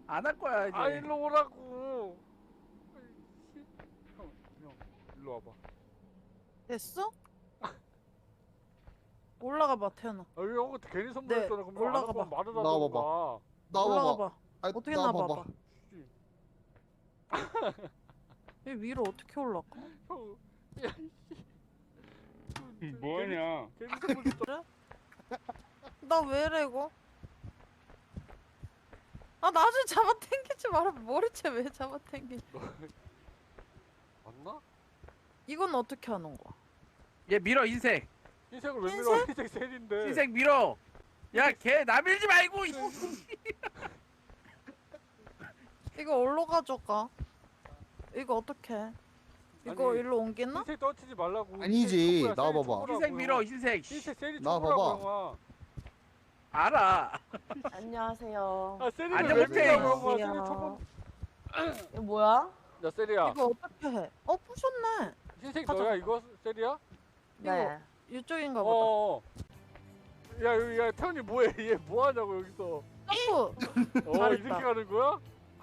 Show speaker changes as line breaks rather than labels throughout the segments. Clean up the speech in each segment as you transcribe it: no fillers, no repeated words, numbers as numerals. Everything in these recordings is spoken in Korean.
안 할 거야 이제.
아 일로 오라고. 형 일로 와봐.
됐어? 올라가 봐 태연아.
아 이거 형한테 괜히 선물했잖아. 그럼
올라가
안
봐.
하면 말을
나와봐봐.
하던가.
올라가
나와봐.
봐.
아,
어떻게
나와봐봐.
나와봐. 얘 위로 어떻게 올라가?
형, 야,
뭐하냐?
괜히 선물 줬잖아.
나 왜래 이거? 아 나중에 잡아당기지 마라. 머리채 왜 잡아당기?
맞나?
이건 어떻게 하는 거야?
얘 밀어 흰색.
흰색을 왜
흰색?
밀어? 흰색 셀인데.
흰색 밀어. 야 걔 나 밀지 말고.
이거 어디로 가져가? 이거 어떻게? 이거
아니,
일로 옮기나?
흰색 떨치지 말라고.
아니지,
흰색
나와봐봐.
초코야, 셀이
흰색 밀어
초코라고,
흰색.
흰색 셀이
나와봐봐.
초코라고 형아.
알아.
안녕하세요.
아 셀이를
안녕,
왜
못해.
밀라고 형아. 셀이 초코.
이거 뭐야?
야 셀이야.
이거 어떻게 해? 부셨네.
흰색
가져.
너야 이거 셀이야?
네.
이쪽인가 보다.
어. 야 태훈이 뭐해? 얘 뭐하냐고 여기서.
점프.
어
잘했다.
이렇게 가는 거야?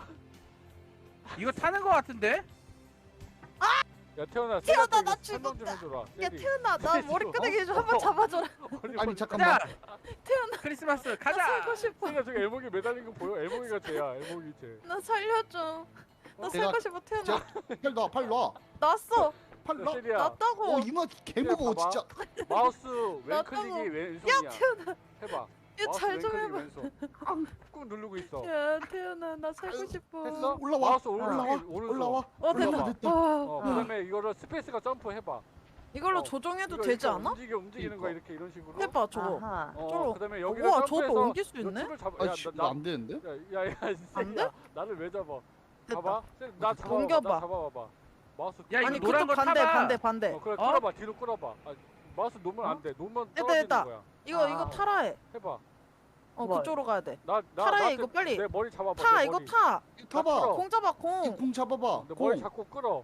이거 타는 거 같은데?
야 태훈아
태훈아,
셀한테
나
이거 설명 좀
죽었다.
해줘라.
야
셀이.
태연아 나 머리끄댕이 좀 한번 잡아줘라.
아니 잠깐만.
가자.
태연아
크리스마스
나
가자.
살고 싶어.
셀이야 저기 엘목이 매달린 거 보여? 엘목이가 쟤야. 엘목이 쟤.
나 살려줘. 나
내가-
살고 싶어 태연아.
팔 놔, 팔 놔.
났어.
팔
야
놔.
셀이야.
났다고.
이마 개 무거워
봐봐.
진짜.
마우스
나도
왼클릭이
뭐-
왼손이야. 해봐.
얘
마우스
잘 좀
왼클릭이
해봐.
왼손. 꾹 누르고 있어.
야 태연아 나 살고 싶어.
했어?
올라와.
마우스
올라와.
오른손.
올라와.
됐다.
올라와.
와.
그다음에 이거를 스페이스가 점프해봐.
이걸로
어,
조정해도
이거
되지
이렇게
않아?
움직이는 거야 이렇게 이런 식으로.
해봐 저거.
아하.
저거.
그다음에 여기를
우와 저것도
점프해서
옮길 수 있네?
을 잡아.
아, 씨, 이거 안 되는데?
야야야
안 돼?
나를 왜 잡아?
됐다.
봐봐. 나 잡아.
옮겨봐.
나 잡아봐봐. 마우스.
야, 이거
아니
노란
그쪽
거
반대
타봐.
반대 반대.
그래
어?
끌어봐. 뒤로 끌어봐. 아, 마우스 놓으면 안 돼. 놓으면
됐다,
떨어지는
됐다.
거야.
이거
아.
타라 해.
해봐.
뭐?
그쪽으로 가야 돼.
나
타라 해
나한테
이거 빨리.
내 머리 잡아봐.
타
내
이거
머리.
타.
이거 타봐.
끌어.
공 잡아
이
공.
공 잡아봐.
내 머리
공.
잡고 끌어.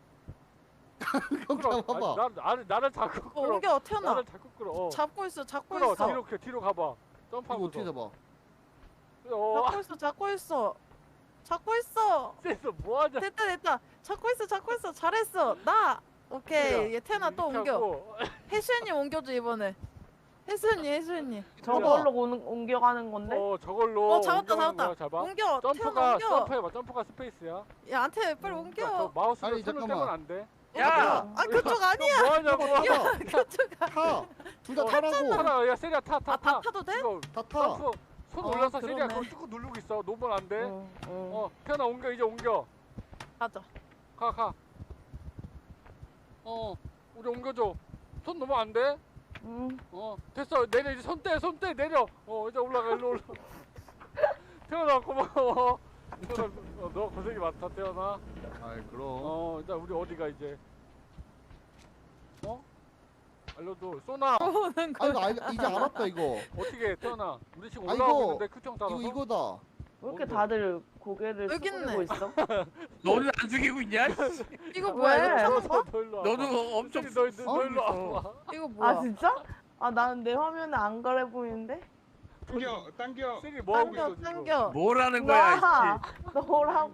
공
끌어.
잡아봐.
나를 잡고 끌어.
옮겨 태연아.
나를 잡고 끌어.
잡고 있어 잡고
끌어.
있어.
뒤로 가봐.
이거
점프하면서.
어떻게 잡아?
어.
잡고 있어. 잡고 있어.
쎄서 뭐하냐?
됐다. 잡고 있어. 잘했어. 나. 오케이. 얘 태연아 또
이렇게
옮겨.
하고.
혜수연이 옮겨줘 이번에. 혜수연이.
저걸로 옮겨가는 건데?
저걸로.
잡았다
옮겨가는
잡았다.
거야, 잡아.
옮겨. 태연아
점프가
옮겨.
점프해봐. 점프가 스페이스야.
얘한테 빨리
그러니까 저
옮겨.
마우스를
아니,
손을
잠깐만.
떼면 안 돼.
야.
아 그쪽 아니야.
뭐 하냐고.
그쪽
타. 둘 다 타라고.
타라. 야 세리야 타.
다 타도 돼?
이거
다 타.
점프 손
어,
올려서 세리야
그러네.
그걸 쭉 누르고 있어. 놓으면 안 돼.
응.
태연아 옮겨 이제 옮겨.
가자.
가. 우리 옮겨줘. 손 놓으면 안 돼.
응.
됐어. 내려 이제 손 떼 내려. 이제 올라가 일로 올라. 태연아 고마워. 태연아 너 고생이 많다 태연아.
아이 그럼.
일단 우리 어디가 이제? 알려줘. 쏘나.
오는
아
거.
이거 이제 알았다 이거.
어떻게 해, 태연아? 우리 지금
아,
올라오고
이거-
있는데 큐청 따라서.
이거다.
왜 이렇게
뭔데?
다들 고개를
여기
숙이고
있네.
있어?
너는 안 죽이고 있냐?
이거 뭐야? 이거
왜?
타는 거?
너 일로 와봐.
너도 엄청
너 일로 와봐.
이거 뭐야?
아 진짜? 아 나는 내 화면에 안 그래 보이는데?
당겨.
세리 뭐 하고 있어 지금?
당겨.
뭐라는 거야?
와 너라고.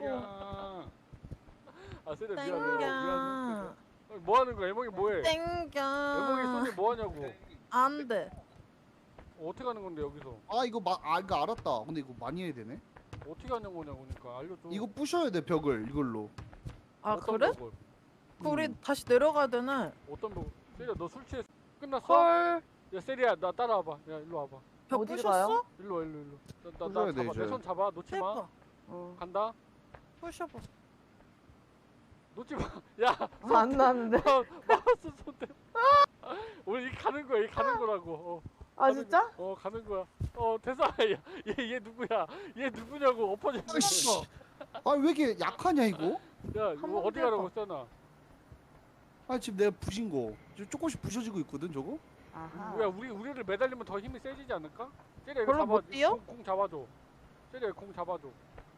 아 세리 미안해.
당겨.
뭐 하는 거야? 애몽이 뭐해?
당겨.
애몽이 손이 뭐 하냐고.
안 돼.
어떻게 하는 건데 여기서?
이거 알았다. 근데 이거 많이 해야 되네.
어떻게 하는 거냐고 그러니까 알려줘.
이거 부셔야 돼 벽을 이걸로.
아
어떤
그래?
벽을?
그 우리 다시 내려가야 되네.
어떤 벽? 세리야 너 술 취했어? 끝났어?
헐.
야 세리야 나 따라와봐. 야 일로 와봐.
벽
어디로
부셨어?
가요?
일로 와 일로. 나
부셔야 돼,
잡아.
이제.
내 손 잡아. 놓지 마.
해봐.
응.
간다.
부셔봐.
놓지 마. 야
안 나는데?
마우스 손 대. 우리 이 가는 거야. 이 가는 거라고.
아 진짜?
가는 거야. 됐어. 얘 누구야? 얘 누구냐고 엎어져.
아이씨. 왜 이렇게 약하냐 이거?
야 이거
한번
어디 가라고 써놔.
지금 내가 부신 거. 조금씩 부셔지고 있거든 저거.
아하.
야 우리를 매달리면 더 힘이 세지지 않을까? 세리야 이거
별로
잡아.
못 뛰어?
공 잡아줘. 세리야 공 잡아줘.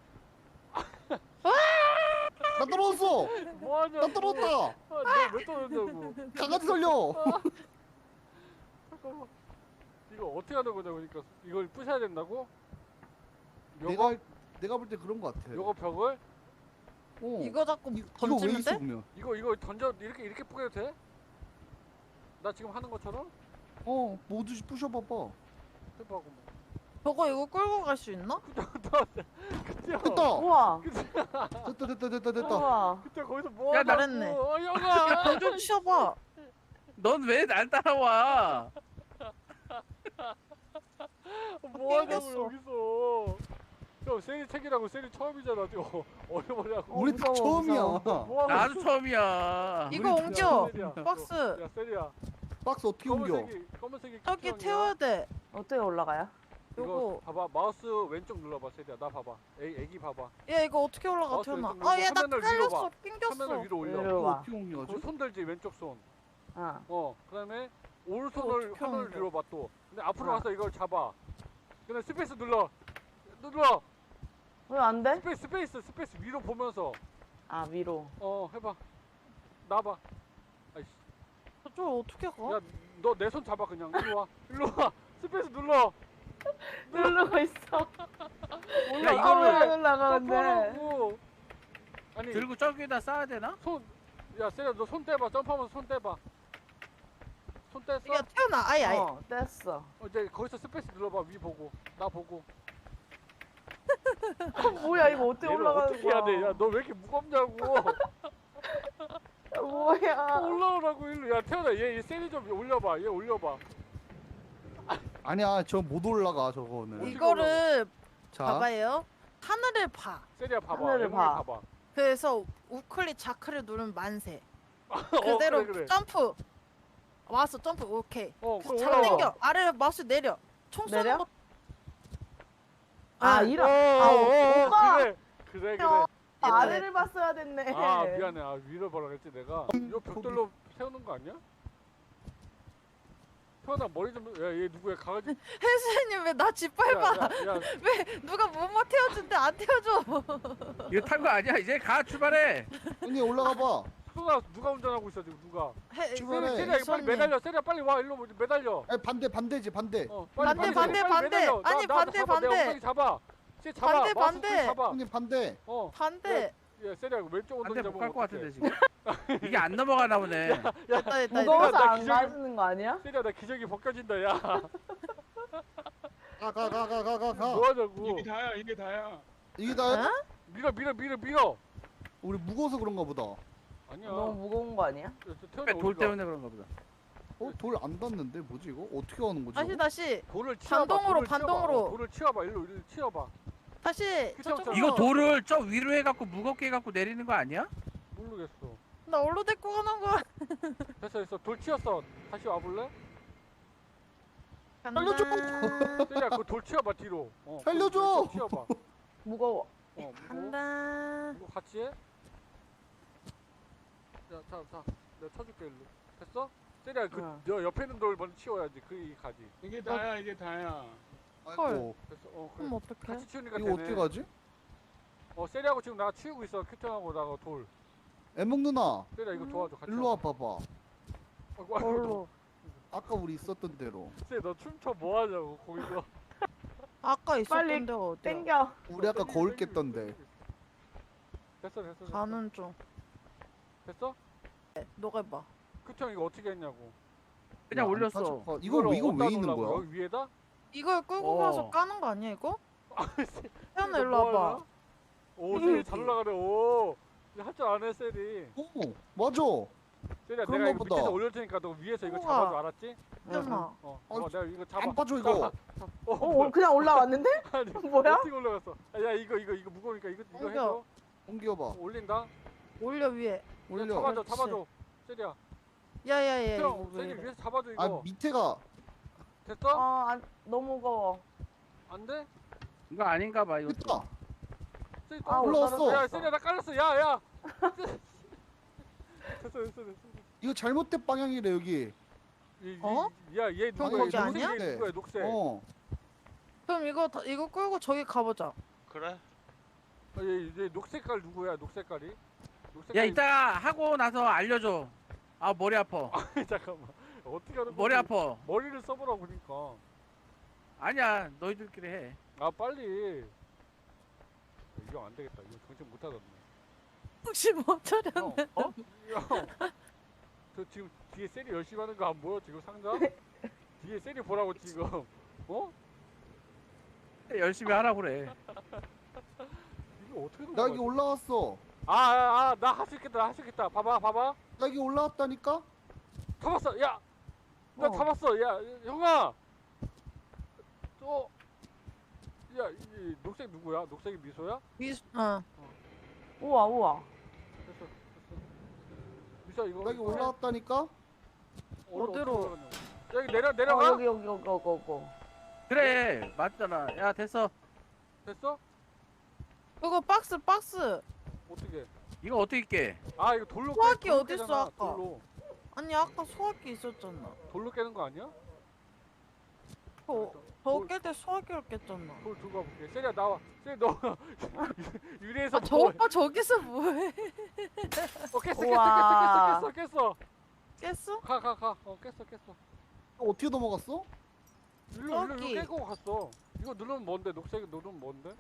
나 떨어졌어.
뭐하냐?
나 떨어졌다.
너왜 떨어졌냐고.
강아지 살려.
잠깐만. 이거 어떻게 하는 거냐 그러니까 이걸 부셔야 된다고?
내가 내가 볼 때 그런 거 같아.
요거 벽을
이거 자꾸
이거 왜
던지면
있어
돼?
보면?
이거 던져 이렇게 뿌려도 돼? 나 지금 하는 것처럼?
모두 부셔봐봐.
해봐 그럼.
저거 이거 끌고 갈 수 있나?
그때요.
됐다.
우와.
됐다.
우와.
그때 거기서 뭐
야,
하냐고.
잘했네.
영아.
던좀 치워봐.
넌 왜 날 따라와?
뭐 하냐고
땡겼어.
여기서. 형 세리 책이라고 세리 처음이잖아. 지금 어려워냐고.
우리 다
무서워,
처음이야.
무서워.
뭐 하고
나도 처음이야.
이거
우리
옮겨.
세리야.
박스.
야 세리야.
박스 어떻게 옮겨?
검은색이
저기
큐형이야.
태워야 돼.
어떻게 올라가요?
이거
요거.
봐봐 마우스 왼쪽 눌러봐 세리야. 나 봐봐. 애기 봐봐.
야 이거 어떻게 올라가
어,
태어나?
왼쪽
아 얘 나
화면을 위로
깔렸어.
봐.
낑겼어.
화면을 위로 올려.
위로
이거
봐.
어떻게 옮겨가지?
그손 들지 왼쪽 손.
어.
그다음에 오른손을
어떻게
하늘
옮겨?
위로 봐 또. 근데 앞으로
어.
와서 이걸 잡아. 그다음에 스페이스 눌러.
왜 안 돼?
스페이스 위로 보면서
아 위로.
해봐. 나봐. 아이씨.
저쪽 어떻게 가?
야 너 내 손 잡아 그냥. 일로 와. 스페이스 눌러.
누르고 있어.
야,
아,
이거를
왜 올라가는데?
점프하라고. 아니
들고 저기에다 쌓아야 되나?
야 세리야 너 손 떼봐. 점프하면서 손 떼봐. 손 뗐어?
야 태어나. 아예.
뗐어.
이제 거기서 스페이스 눌러봐. 위 보고 나 보고.
뭐야 이거 어떻게
얘를
올라가는
어떻게 해야 돼?
거야?
야 너 왜 이렇게 무겁냐고.
뭐야?
올라오라고 일로. 야 태연아 얘 세리 좀 올려봐. 얘 올려봐.
아니야, 저 못 올라가 저거는.
어떻게
이거를
자,
봐봐요. 하늘을 봐.
세리야 봐봐.
하늘을
애몽이
봐.
봐봐.
그래서 우클릭 좌클릭 누르면 만세.
어,
그대로
그래.
점프. 왔어 점프. 오케이.
그럼
잡
올라와.
당겨. 아래로 마우스 내려. 총 쏘는
내려?
거.
아
네.
이런. 오빠.
그래.
형, 아래를 봤어야 됐네.
아 미안해. 아 위로 보라 그랬지 내가. 요 벽돌로 세우는 거 아니야? 태연아 머리 좀. 야 얘 누구야? 강아지.
혜수님 왜 나 짓밟아?
야,
누가 뭐뭐 태워준대 안 태워줘.
이거 탄 거 아니야? 이제 가 출발해.
형님 올라가 봐.
누가 운전하고 있어 지금 누가?
출발해.
세리야 이거 빨리
혜수님.
매달려. 세리야 빨리 와 일로 매달려.
아니, 반대지 반대.
반대, 반대.
매달려.
아니,
나
반대,
잡아. 내
반대.
엉덩이 잡아. 쟤 잡아.
반대,
마우스
반대.
꾹 잡아.
형님 반대.
반대.
야 세리야 왼쪽 엉덩이
안돼
잡으면
못갈 것
어떡해.
같은데 지금. 이게 안 넘어가나 보네.
됐다 됐다.
무거워서
나
안
기절이-
가지는 거 아니야?
세리야 나 기저귀 벗겨진다 야.
가.
뭐 하자고.
이게 다야.
이게 다야?
어?
밀어.
우리 무거워서 그런가 보다.
아니야.
너무 무거운 거 아니야?
돌 때문에 그런가 보다.
돌 안 닿는데 뭐지 이거? 어떻게 하는 거지?
다시
이거?
다시
돌을 치워봐.
반동으로,
돌을 치워봐.
반동으로.
돌을 치워봐. 일로 치워봐.
다시
그쵸,
저쪽으로.
이거 돌을 저 위로 해갖고 무겁게 해갖고 내리는 거 아니야?
모르겠어.
나 얼로 데리고 가는 거야.
됐어. 돌 치웠어. 다시 와볼래?
간다.
세리야 그거 돌 치워봐 뒤로.
살려줘!
돌 치워봐.
무거워.
무거워.
간다.
이거 같이 해? 야, 자. 내가 쳐줄게, 일로. 됐어? 세리야,
응.
너 옆에 있는 돌 먼저 치워야지. 그 가지.
이게 다야.
아이고,
됐어.
그럼
그래.
어떡해?
같이 치우니까
이거
되네.
어떻게 가지?
세리하고 지금 나 치우고 있어. 큐턴하고 나가 돌.
애몽 누나,
세리야, 이거 도와줘. 같이.
일로 와 봐봐.
아이고,
얼로.
아까 우리 있었던 대로.
세리, 너 춤춰 뭐 하냐고, 거기서.
아까 있었던
빨리
데가 어디야?
땡겨.
우리 아까 거울 깼던데.
됐어.
가는 중.
됐어?
너가 해봐.
큐턴 이거 어떻게 했냐고.
그냥
안
올렸어.
빠져. 이거
이거를
왜
어디다
있는
놓으려고?
거야?
여기 위에다?
이걸 끌고 가서 까는 거 아니야 이거? 태연아 일로
뭐
와봐.
하냐? 오, 세리 잘 올라가네. 오. 할 줄 아네, 세리.
오, 맞아.
세리야,
그런
내가 이거
거보다.
밑에서 올릴 테니까 너 위에서 이거
우와.
잡아줘, 알았지?
태연아.
내가 이거 잡아.
안 빠져 이거.
그냥 올라왔는데?
아니,
뭐야?
어떻게 올라갔어? 야, 이거 무거우니까 이거
옮겨.
해줘.
옮겨봐.
올린다.
올려 위에.
올려.
잡아줘. 세리야.
야야야
형,
이거 왜
세리
이래?
위에서 잡아줘 이거.
아 밑에가
됐어?
너무 무거워.
안 돼?
이거 아닌가 봐 이거.
됐다.
세리
아,
올라왔어.
야, 세리야 나 깔렸어. 야. 됐어.
이거 잘못된 방향이래 여기.
어?
야, 얘
형,
누구야?
거기 아니야?
얘 누구야? 녹색.
그럼 이거 끌고 저기 가보자.
그래?
얘 녹색깔 누구야? 녹색깔이?
야
녹색깔이
이따가 하고 나서 알려줘. 아 머리 아파.
잠깐만. 어떻게 하는 거야?
머리 아파.
머리를 써보라고 그러니까.
아니야 너희들끼리 해.
아, 빨리. 이거 안 되겠다. 이거 정신 못 하겠네.
혹시 뭐 차려?
형, 형, 저 지금 뒤에 세리 열심히 하는 거 안 보여? 지금 상자? 뒤에 세리 보라고 지금. 어?
열심히 하라고 그래.
이거 어떻게
나
넘어가지?
여기 올라왔어.
나 할 수 있겠다. 할 수 있겠다. 봐봐.
나 여기 올라왔다니까?
잡았어. 야, 나
어.
잡았어. 야, 형아. 야, 이 녹색 누구야? 녹색이 미소야?
우와 우와.
됐어. 미소 이거.
나 여기 올라왔다니까?
어디로?
올라갔냐고. 여기 내려가.
여기.
그래 맞잖아. 야 됐어.
됐어?
그거 박스.
어떻게?
이거 어떻게 깨?
아, 이거 돌로
소화기
돌로
어딨어,
깨잖아,
아까?
돌로.
아니 아까 소화기 있었잖아.
돌로 깨는 거 아니야?
저 깰 때 소화기를 깼잖아.
돌 들고 가볼게. 세리야 나와. 세리 너 유리에서
아, 저 오빠 저기서 뭐해?
깼어.
깼어?
가. 깼어.
어떻게 넘어갔어?
일로
저기.
깨고 갔어. 이거 누르면 뭔데? 녹색 누르면 뭔데?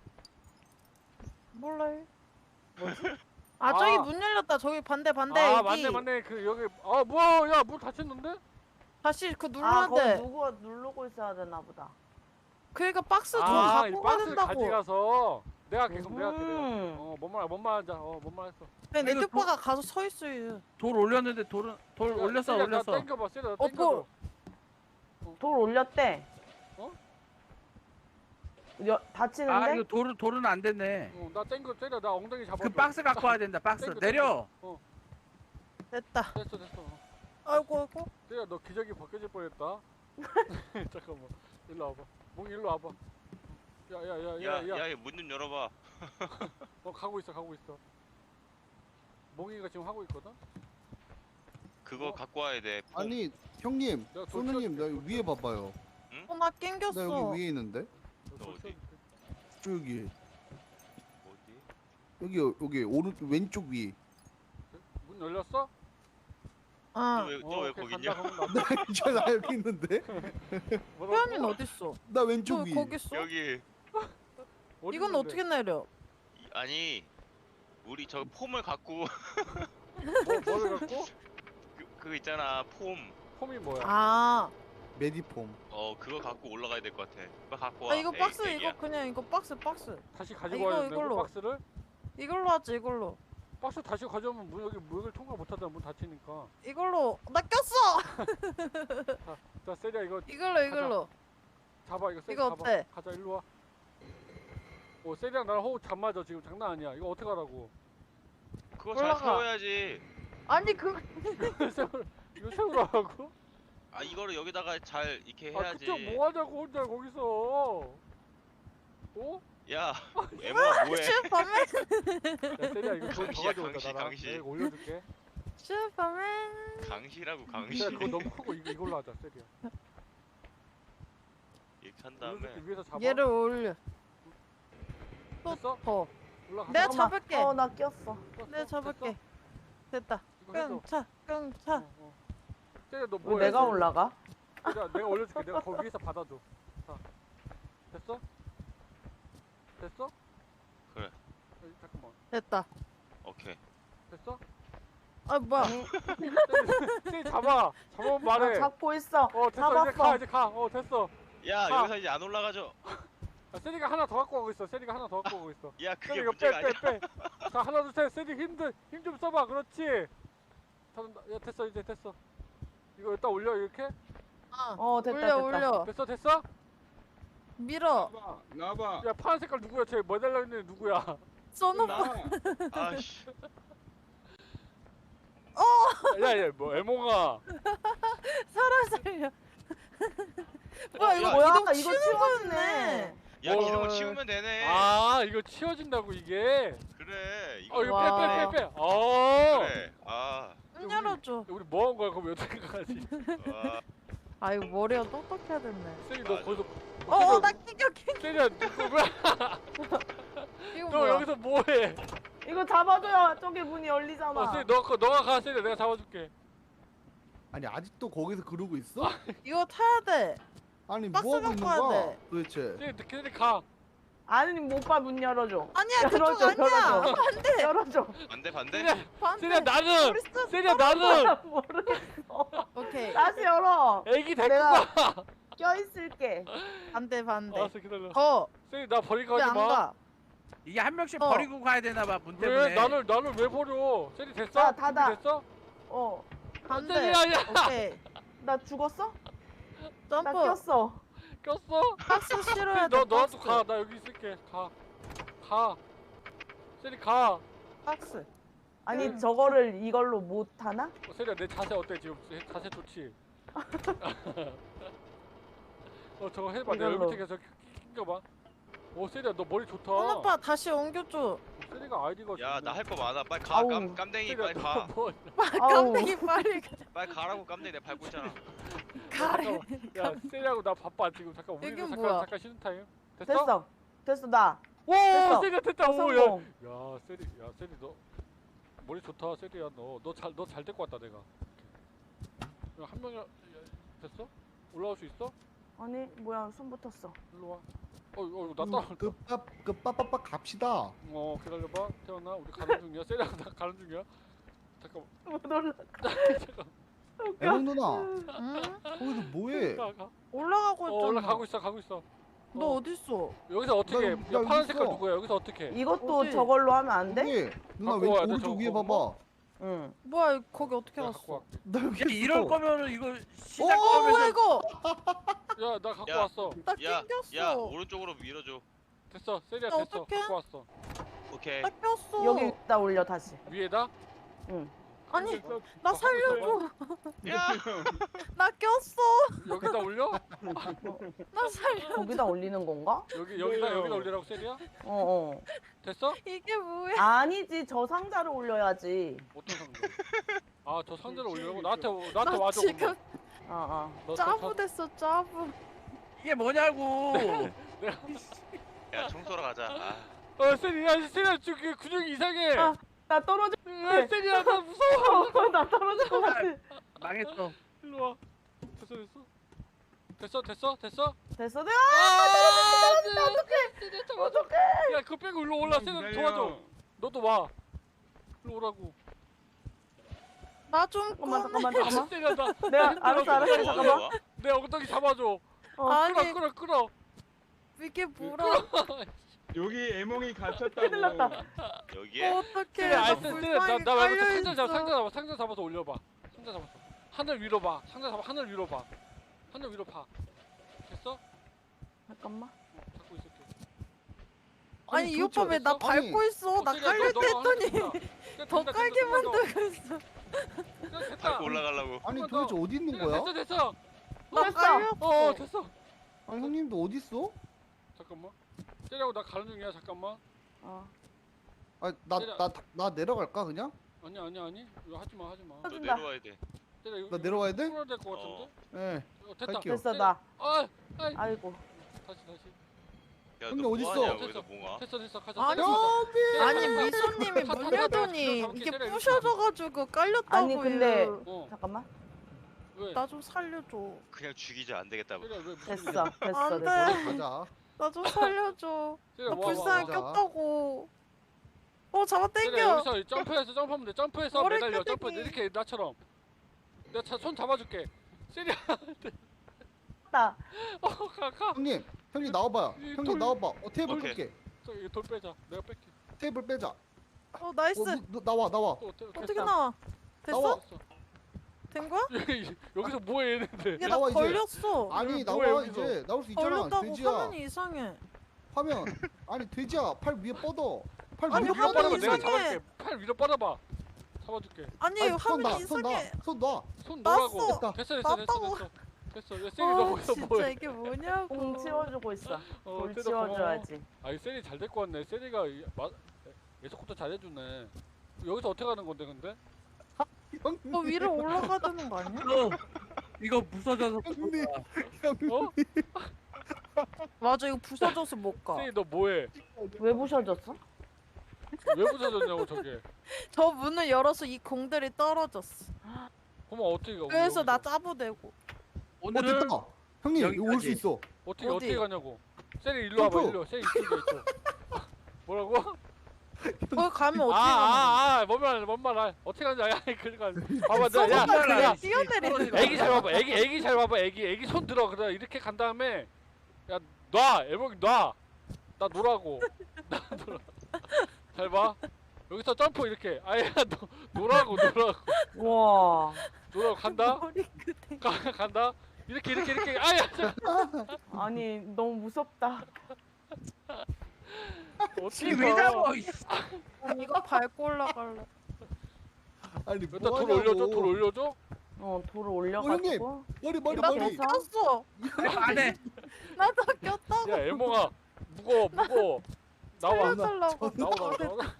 몰라요. 아 저기
아.
문 열렸다. 저기 반대
아,
여기.
맞네. 그 여기 뭐야? 야, 문 닫혔는데?
다시 그
아
눌러야
거기
돼.
누구가 누르고 있어야 되나 보다.
그러니까 박스 좀
이
갖고 가야
박스를
된다고.
가져가서 내가 계속 내가 그래.
음.
뭔 말하자. 뭔 말했어.
내
이거
오빠가 가서 서 있어요.
돌 올렸는데 돌 올렸어.
세리야, 나
올렸어.
땡겨봐. 세리야, 나
어,
땡겨줘.
돌 올렸대.
어?
다치는데?
아 이거 돌은 안 됐네.
나 땡겨. 세리야, 나 엉덩이 잡아줘.
그 박스 갖고 와야 된다. 박스
땡겨,
내려.
됐다.
됐어.
아이고.
세리야, 너 기저귀 벗겨질 뻔했다. 잠깐만. 일로 와봐. 몽이 일로 와봐. 야.
문 좀 열어봐.
가고 있어. 몽이가 지금 하고 있거든.
그거 갖고 와야 돼. 폼.
아니 형님,
내가 돌
소누님 나
치워줄게,
여기 위에 봐봐요.
나
나
낑겼어.
여기 위에 있는데?
너 어디?
저기
어디?
여기 왼쪽 위.
문 열렸어?
아.
너왜 거기 있냐?
나 여기 있는데?
태연이는 어딨어?
나 왼쪽
저
위.
거기 있어?
여기
이건 어떻게 내려?
아니 우리 저 폼을 갖고
뭐를 갖고?
그거 있잖아 폼.
폼이 뭐야?
아.
메디폼.
그거 갖고 올라가야 될 것 같아. 그거 갖고 와.
아 이거 박스
에이,
이거 그냥 이거 박스.
다시 가지고
이거,
와야 된다고
이걸로.
박스를?
이걸로 하지 이걸로.
박스 다시 가져오면 여기 문을 통과 못하잖아. 문 닫히니까.
이걸로 나 꼈어.
자, 세리야 이거
이걸로.
잡아. 이거 세리
이거
잡아.
어때?
가자, 일로 와. 세리랑 나랑 호흡 잘 맞아. 지금 장난 아니야. 이거 어떻게 하라고?
그거 잘
올라가.
세워야지.
아니 그
이거 세우라고?
아 이거를 여기다가 잘 이렇게 해야지.
그쪽 뭐 하자고 혼자 거기서.
야 에모야 뭐해?
슈퍼맨.
야, 세리야 이거 더
강시야,
가져오자.
강시,
나랑.
강시.
내가 이거 올려줄게.
슈퍼맨.
강시라고
야,
강시.
그거 너무 크고 이걸로 하자, 세리야.
이렇게 한 다음에
올려줄게. 위에서 잡아.
얘를 올려.
됐어?
더.
올라가.
내가
잠깐만.
잡을게.
나 꼈어.
내가 잡을게. 됐다.
이거 해줘.
끙차.
세리야 너
왜
뭐해?
내가 올라가?
내가 올려줄게. 내가 거기 위에서 받아줘. 자, 됐어? 됐어?
그래.
잠깐만.
됐다.
오케이.
됐어?
아 뭐야?
세리 잡아. 잡으면
나
말해.
잡고 있어.
됐어.
잡았어.
이제 가. 됐어.
야
아.
여기서 이제 안 올라가죠.
세리가 하나 더 갖고 가고 있어. 세리가 하나 더 갖고 가고 있어.
야
세리
그게
이거
문제가 아니야.
빼. 자, 하나 둘 셋. 세리 힘 좀 써봐. 그렇지. 야, 됐어. 이제 됐어. 이거 일단 올려 이렇게.
됐다.
올려.
됐어?
밀어.
나봐.
야, 파란 색깔 누구야? 쟤 모델로 있는 애 누구야?
써놓고.
나.
아씨.
야, 뭐 에몽아.
살려. 뭐야 이거
야,
이동
이거
치우는
치워지네.
거네.
야
뭐.
이런 거 치우면 되네.
아, 이거 치워진다고 이게.
그래. 이거
이거
와.
빼.
그래. 아.
문 열어줘.
우리 뭐 한 거야? 그럼 어떻게 가지?
와.
아 이거 머리가 똑똑해야 됐네.
세리 너
맞아.
거기서.
어나 낑겨.
세리야, 너 뭐야?
이거
너
뭐야?
여기서 뭐해?
이거 잡아줘야 저기 문이 열리잖아.
세리 너가 가, 세리 내가 잡아줄게.
아니 아직도 거기서 그러고 있어?
이거 타야 돼.
아니
박스
뭐 하고 있는
갖고 와야
거야?
돼.
도대체.
세리 걔네들 가.
아니 오빠 문 열어줘.
아니야 그쪽
열어줘,
아니야.
열어줘.
반대.
열어줘.
반대 반대.
세리야
반대.
세리야 나는
우리 스-
세리야 나는
모르겠어.
오케이.
다시 열어.
애기 데리고
내가
가.
껴있을게.
반대 반대.
알았어 기다려.
거.
세리 나 버리고
왜
가지
안
마.
가?
이게 한 명씩
어.
버리고 가야 되나 봐, 문
왜
때문에.
나를 왜 버려? 세리 됐어?
야, 닫아.
준비 됐어?
어.
반대.
세리야 야
오케이.
나 죽었어? 나
점프.
꼈어.
꼈어?
박스 실어야 돼.
세리 너도
박스.
가. 나 여기 있을게. 가. 세리 가.
박스.
아니 저거를 이걸로 못 하나?
세리야 내 자세 어때 지금? 자세 좋지? 저거 해봐. 내가
이걸로.
여기 밑에 계속 낑겨봐. 오 세리야 너 머리 좋다.
오빠 다시 옮겨줘.
세리가 아이디가
야 나 할 거 많아. 빨리 가.
아우.
깜댕이
세리야
빨리
너
가.
뭐?
아우.
깜짝이 빨리 가.
빨리 가라고 깜댕이 내 밟고 있잖아.
가래.
야 세리하고 나 바빠 지금. 잠깐 우리도
이게
잠깐
뭐야?
잠깐 쉬는 타임.
됐어 나.
오
됐어.
세리야 됐다. 오야.
성공.
야 세리 너 머리 좋다. 세리야 너 잘 데리고 왔다 내가. 한 명이 됐어? 올라올 수 있어?
아니 뭐야 손 붙었어.
일로 와. 나 따라.
그 빠빠빠 갑시다.
기다려봐. 태어나 우리 가는 중이야. 세리야 나 가는 중이야. 잠깐.
못 올라.
잠깐.
애몽 누나
응?
거기서 뭐해?
가.
올라가고 있잖아.
올라가고 있어. 가고 있어.
너 어디 있어?
여기서 어떻게?
나
야
여기
파란 색깔
있어.
누구야? 여기서 어떻게?
이것도
어디?
저걸로 하면 안 돼?
여기 누나
갖고 와야
왼쪽
돼,
오른쪽
저거
위에
그거?
봐봐.
응.
뭐야 거기 어떻게
야,
갔어?
갖고 와.
나 여기
야, 이럴
있어.
거면은 이거
오
시작하면서
이거
야, 나 갖고
야.
왔어.
나
야,
낑겼어.
야 오른쪽으로 밀어줘.
됐어. 세리야
야,
됐어.
어떡해?
갖고 왔어.
오케이.
나 꼈어.
여기다 올려 다시.
위에다?
응.
아니
너
나
갖고
살려줘.
야.
나 꼈어.
여기다 올려?
나 살려.
거기다 올리는 건가?
여기다 올리라고 세리야?
어.
됐어?
이게 뭐야?
아니지 저 상자를 올려야지.
어떤 상자? 아, 저 상자를 올리라고? 나한테
나
와줘.
지금
그러면. 너
짜부 됐어 짜부.
이게 뭐냐고.
야 청소로 가자.
세리야, 저기 근육이 이상해.
아. 나 떨어져.
야, 세리야, 나 무서워.
나 떨어질 것 같아.
망했어.
일로 와. 됐어?
됐어.
어떡해. 야, 그거 빼고 일로 올라. 세리야, 도와줘. 너도 와. 일로 오라고.
나 좀
잠깐만.
세리야, 나.
내가
힘들어.
알았어. 잠깐만.
뭐?
내 엉덩이 잡아줘.
아니
끌어.
이게 뭐라?
여기 애몽이 갇혔다고.
큰일 났다.
여기에?
어떡해?
세리야,
나
세리야,
불쌍하게
나 말고
깔려있어.
상자 잡아서 올려봐. 상자 잡았어. 하늘 위로 봐. 상자 잡아, 하늘 위로 봐. 하늘 위로 봐. 됐어?
잠깐만.
잡고 있을게.
아니 이
도대체
오빠 왜 나
아니,
밟고 있어? 나
세리야,
깔릴
너
때
하늘
했더니
된다.
더
된다,
깔게
된다, 된다.
만들고 있어.
됐다.
밟고 올라가려고.
아니
한
도대체
번
어디 있는
세리야,
거야?
됐어.
나
됐어.
깔렸어.
됐어.
아니 형님도 어디 있어?
잠깐만. 세리하고 나 가는 중이야. 잠깐만.
나 내려갈까 그냥?
아니. 이거 하지 마.
너
터진다.
내려와야 돼.
세리야, 여기
나 내려와야 돼?
풀어야 될것 같은데?
네.
됐다.
갈게요.
됐어 나.
아이.
아이고.
다시.
야,
형님
너
어딨어?
뭐하냐 거기서 몽아?
됐어. 가자.
아니,
세리야,
아니
가자.
미소님이
다
문
다
열더니
잡을게,
이게
세리야,
부셔져가지고 깔렸다고요.
아니, 근데-
어.
잠깐만.
왜?
나 좀 살려줘.
그냥 죽이자 안 되겠다.
세리야, 왜 무슨
됐어.
일이야?
안
됐어.
돼.
가자.
나 좀 살려줘.
세리야,
나
와,
불쌍하게
와.
꼈다고. 잡아
세리야,
당겨.
여기서 점프하면 돼. 점프해서
머리
매달려.
끄덕이.
점프 이렇게 나처럼. 내가 손 잡아줄게. 세리야,
나.
가.
형님 나와봐요.
이
형님
돌-
나와봐. 테이블
오케이.
줄게.
저기 돌 빼자. 내가 뺄게.
테이블 빼자.
나이스.
너 나와.
또
어떻게
됐어.
나와? 됐어?
나와.
된 거야?
여기서 뭐해 얘네들?
이게 나
나와, 이제.
걸렸어.
아니
뭐야,
나와
여기서?
이제 나올 수 있잖아.
걸렸다고
돼지야.
화면이 이상해.
화면. 아니 돼지야. 팔 위에 뻗어. 팔
아니,
위에
위로 뻗어봐.
화면이
내가
이상해.
잡아줄게. 팔 위로 뻗어봐. 잡아줄게.
아니
아니, 손 놔.
화면이
손 놔.
이상해.
손 놔.
손
놨어.
놓으라고. 됐어.
놨다고.
됐어. 야, 세리 너 거기서
진짜
뭐해?
이게 뭐냐고.
공 치워주고 있어. 돌
세리
치워줘야지.
아니 세리 잘 데리고 왔네. 세리가 예속부터 잘해주네. 여기서 어떻게 가는 건데 근데?
형님.
너 위로 올라가야 되는 거 아니야?
이거 부서져서
형님.
어?
맞아 이거 부서져서 못 가.
세리 너 뭐해?
왜 부셔졌어?
왜 부서졌냐고 저게?
저 문을 열어서 이 공들이 떨어졌어.
그럼 어떻게 가?
그래서 나
여기서?
짜부되고.
오늘은
됐다. 형님 여기 올 수
여기까지.
있어.
어떻게
어디?
가냐고? 세리 일로 와봐
점프.
일로. 세리 이쪽이야 이쪽. 뭐라고?
거기 가면 어떻게 가는
뭔 말 어떻게 가는지 아니 그러니까 봐봐
거야?
야
그냥 뛰어내리는 거야.
애기 잘 봐봐 애기 잘 봐봐 애기 손 들어 그래 이렇게 간 다음에 야놔 애복이 놔나 놀라고 나 놀아 잘 봐 여기서 점프 이렇게 아야 놀라고
와.
간다
머리 끝에.
간다 이렇게 아야
아니 너무 무섭다.
어떻게
이게 왜 잡어? 이
이거 밟고 올라갈래.
아니
일단
뭐
돌 올려줘 돌 올려줘
돌을 올려가지고.
머리
나
머리.
꼈어.
안 해.
나도 꼈다고.
야 애몽아 무거워 나와
살려달라고.
나와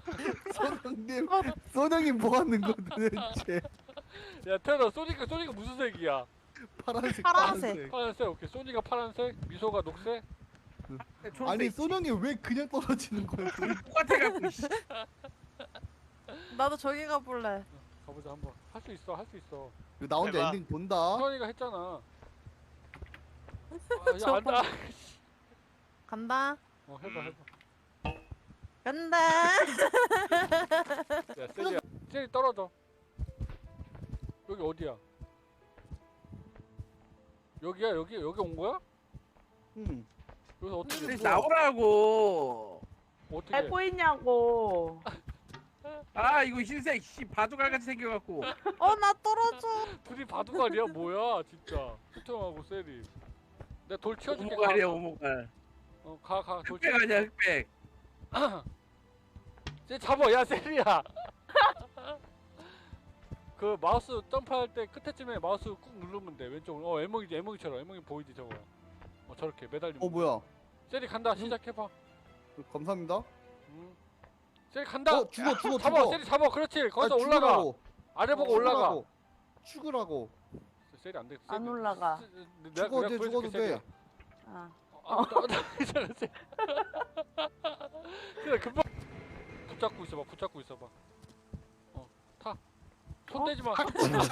선영님 뭐 하는 거 도대체?
야 태연아 소니가 무슨 색이야
파란색.
파란색.
파란색 오케이 소니가 파란색 미소가 녹색
아니 선영이 왜 그냥 떨어지는 거야?
똑같아갖고.
나도 저기 가볼래.
가보자 한번 할 수 있어
나 혼자
해봐.
엔딩 본다.
태연이가 했잖아
저거.
안다
간다.
해봐
간다.
야 세리야 세리 떨어져 여기 어디야 여기야 여기 온 거야?
응.
여기서 어떻게
please
뭐야?
나오라고.
어떻게
잘 보이냐고.
아 이거 흰색 씨 바둑알같이 생겨갖고.
나 떨어져.
둘이 바둑알이야 뭐야 진짜 수통하고 세리 내가 돌 치워줄게
오목알이야 오목알.
가돌
흑백 아니야 흑백.
쟤 잡아 야 세리야 그 마우스 점프할 때 끝에쯤에 마우스 꾹 누르면 돼 왼쪽으로 애몽이처럼 애몽이 보이지 저거 저렇게 매달리면
뭐야?
세리 간다 시작해봐
감사합니다.
세리 간다
죽어.
잡아 세리 잡아 그렇지 거기서 올라가
죽으라고.
아래 보고 올라가
죽으라고.
세리 안돼
안 올라가.
죽어도 돼.
아.
세리 금방 붙잡고 있어봐 손 떼지 마.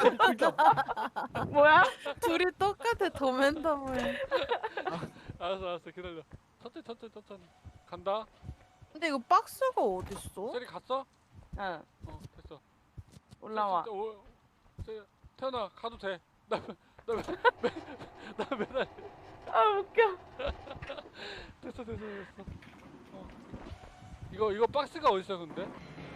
뭐야?
둘이 똑같아. 도맨더블.
알았어 기다려 천천히 간다
근데 이거 박스가 어딨어?
세리 갔어?
응.
됐어
올라와.
태연아 가도 돼. 나 매달.
아 웃겨.
됐어. 이거 박스가 어디 있어 근데?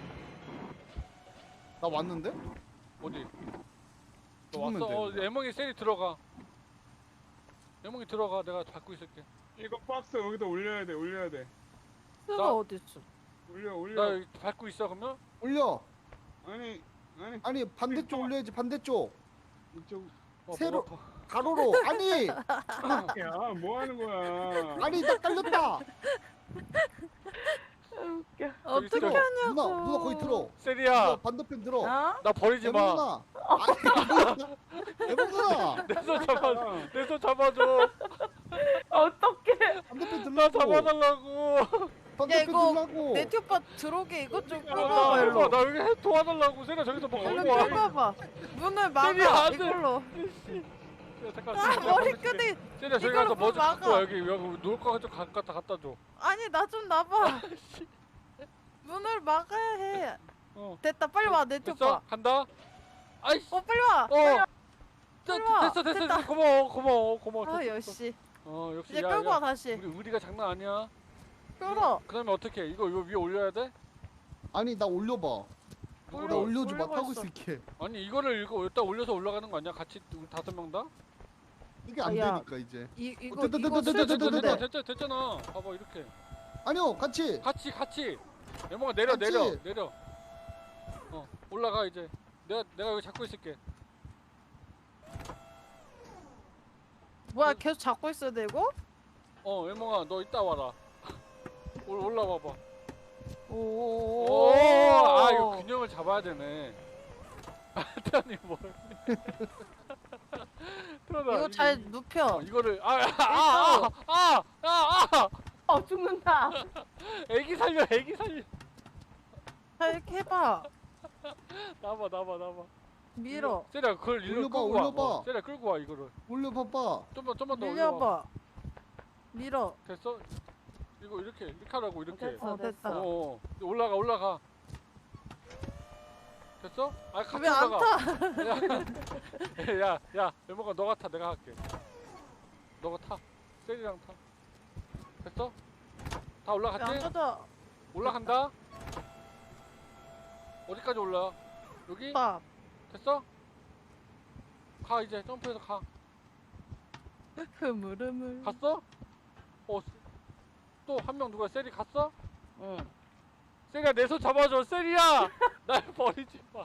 나 왔는데?
어디? 너
죽으면
왔어?
돼.
애몽이 세리 들어가. 애몽이 들어가. 내가 잡고 있을게.
이거 박스 여기다 올려야 돼.
박스가
나-
어딨어?
올려.
나 여기 밟고 있어 그러면?
올려.
아니
반대쪽 올려야지. 반대쪽.
이쪽.
세로-
목 아파.
가로로. 아니.
야, 뭐 하는 거야?
아니 나 깔렸다.
웃겨.
어떻게
들어.
하냐고.
누나 거기 들어.
세리야.
누나 반대편 들어.
어?
나 버리지 마.
누나. 아니 누나.
내 손 잡아줘.
어떡해.
반대편
나
들라고.
잡아달라고.
반대편
이거
들라고.
네티 오빠 들어오게 이것 좀
나
끌어봐 일로.
나 여기 도와달라고. 세리야 저기서 뭐
얼른
걸고 와.
끌어봐. 문을
세리야,
막아
안 돼.
이걸로.
야, 잠깐.
아 머리끈이.
세리야 저기
이걸로
가서 뭐 좀
막아.
갖고 와. 여기 놀 거 좀 갖다 줘.
아니 나 좀 놔봐. 문을 막아야 해. 됐다 빨리 와 네티
됐어?
오빠.
간다. 아이씨.
빨리 와. 빨리 와.
됐어.
됐다.
고마워.
아
됐어.
역시.
역시.
이제
야,
끌고
야.
와 다시.
우리 의리가 장난 아니야.
끌어.
그다음에 어떻게? 이거 위에 올려야 돼?
아니 나 올려봐. 나
올려.
올려줘 봐.
올리고
타고
있어.
있을게.
아니 이거를 이거 여기다 올려서 올라가는 거 아니야? 같이 우리 5명 다?
이게 안
야.
되니까 이제.
이거
됐다,
이거
됐다, 됐다,
수준인데.
됐다.
됐잖아. 봐봐 이렇게.
아니요 같이.
같이. 애몽아 내려.
같이.
올라가 이제. 내가 여기 잡고 있을게.
뭐야 계속 잡고 있어야 되고?
애몽아 너 이따 와라. 올라와 봐.
오.
이거 균형을 잡아야 되네. 태연이 뭘? 태연아,
이거 잘 눕혀.
이거를
죽는다.
애기 살려.
잘 이렇게 해봐.
나봐.
밀어.
세리야 그걸 일로 끌고 와.
올려봐.
세리야 끌고 와 이거를.
올려봐봐.
좀만 더 올려봐.
밀려봐. 밀어.
됐어? 이거 이렇게 하라고 이렇게.
됐어,
됐다.
어. 올라가. 됐어? 아 같이
왜 안
올라가.
타?
야, 외모가 너가 타. 내가 할게. 너가 타. 셀이랑 타. 됐어? 다
왜
올라갔지?
안 가자?
올라간다. 어디까지 올라? 여기?
밥.
됐어? 가 이제 점프해서 가.
흐물흐물.
갔어? 또 한 명 누가 셀이 갔어?
응.
셀이야 내 손 잡아줘. 셀이야. 날 버리지 마.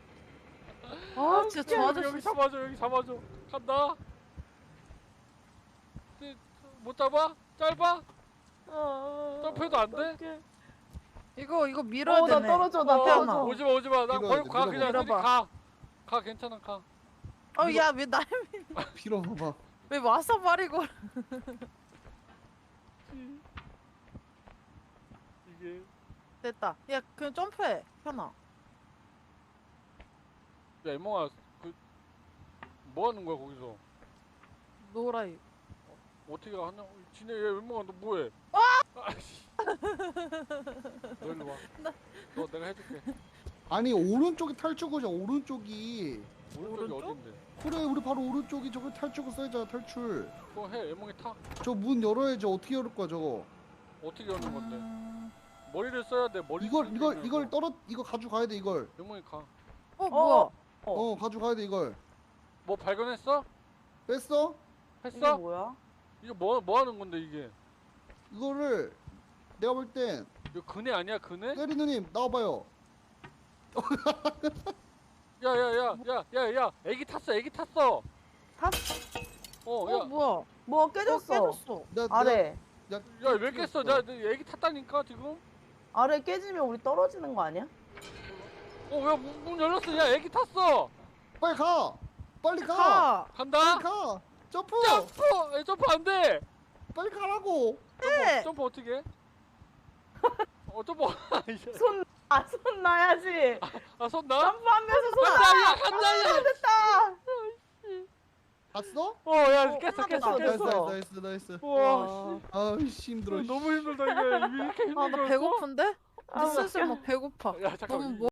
아 진짜 저
여기
아저씨.
잡아줘. 간다. 못 잡아? 짧아? 점프해도 안 돼?
어떡해.
이거 밀어야
나
되네.
떨어져, 나
태어나.
떨어져.
오지마. 나
밀어야
버리고
돼,
가. 그냥 셀이
밀어봐.
가 괜찮아 가.
야 왜 날
빌어 봐봐.
왜 와서 말이고?
이게
됐다. 야 그냥 점프해. 현아.
야 이몽아 뭐 하는 거야 거기서?
노라이.
어떻게 하냐? 지네 얘 이몽아 너 뭐해? 아씨. 너 일로 와. 너 내가 해줄게.
아니 오른쪽이 탈출구죠. 오른쪽이.
오른쪽이
오른쪽?
어딘데?
그래 우리 바로 오른쪽이 저거 탈출구 써야잖아. 탈출.
그거 해. 이몽이 타.
저 문 열어야지. 어떻게 열을 거야 저거.
어떻게 여는 건데? 머리를 써야 돼. 머리.
이거 가져가야 돼 이걸.
이몽이 가.
뭐야?
가져가야 돼 이걸.
뭐 발견했어?
뺐어?
이게
했어?
뭐야?
이거 뭐 하는 건데 이게?
이거를 내가 볼 땐
이거 그네 아니야 그네?
때리 누님 나와봐요.
야, 애기 탔어. 야,
뭐야?
뭐 깨졌어.
깨졌어.
아래.
야, 왜 깼어? 나 애기 탔다니까 지금.
아래 깨지면 우리 떨어지는 거 아니야?
왜 문 열렸어? 야, 애기 탔어.
빨리 가. 빨리 가.
가.
간다.
빨리 가. 점프.
점프 안 돼.
빨리 가라고.
네.
점프 어떻게 해? 점프.
손 놔야지.
손 나?
점프하면서 손
간다.
됐다.
갔어?
야,
끝났다.
깼어.
됐어.
나이스.
우와,
아이씨 힘들어.
너무 힘들다 이게. 왜 이렇게
아 나
힘들어?
배고픈데?
아,
슬슬 막 배고파.
야, 잠깐만.
너무